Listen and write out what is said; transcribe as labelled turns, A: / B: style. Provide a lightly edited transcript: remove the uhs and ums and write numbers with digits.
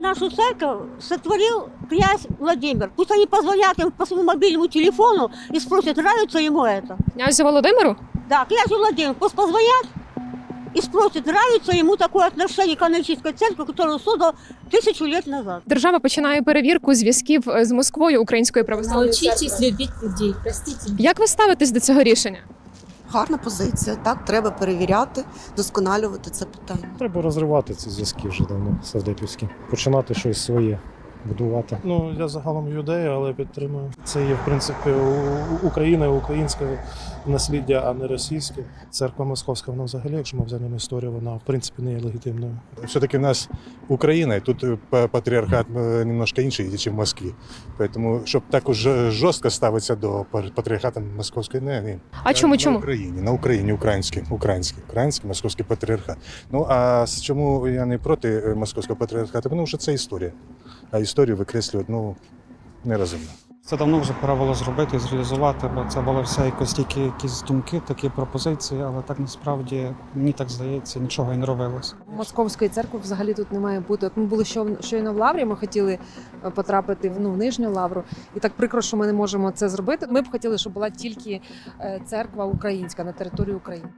A: нашу церковь сотворил князь Владимир. Пусть они позвонят им по своему мобильному телефону и спросят, нравится ему это.
B: Князю Володимиру?
A: Да, князю Владимиру пусть позвонят и спросят, нравится ему такое отношение к канонической церкви, которую создал 1000 лет назад.
B: Держава починає перевірку зв'язків з Москвою Української православної церкви.
C: Научитесь любить людей, простите.
B: Як ви ставитесь до цього рішення?
D: Гарна позиція. Так, треба перевіряти, досконалювати це питання.
E: Треба розривати ці зв'язки вже давно савдепівські. Починати щось своє будувати.
F: Ну, я загалом юдею, але підтримую. Це є, в принципі, Україна, українське насліддя, а не російське. Церква Московська, вона взагалі, якщо ми взяємо історію, вона, в принципі, не є легітимною.
G: Все-таки у нас Украина, и тут патриархат немножко інший, ніж в Москві. Поэтому, щоб так уж жорстко ставитися до патріархату московської, не.
B: А чому?
G: На Україні, український московський патріархат. Ну, а чому я не проти московського патріархату? Тому що це історія. А історію викреслювати, нерозумно.
H: Це давно вже пора було зробити і зреалізувати, бо це були все якось тільки якісь думки, такі пропозиції, але так насправді, мені так здається, нічого і не робилось.
I: Московської церкви взагалі тут не має бути. От ми були щойно в Лаврі, ми хотіли потрапити в Нижню Лавру. І так прикро, що ми не можемо це зробити. Ми б хотіли, щоб була тільки церква українська на території України.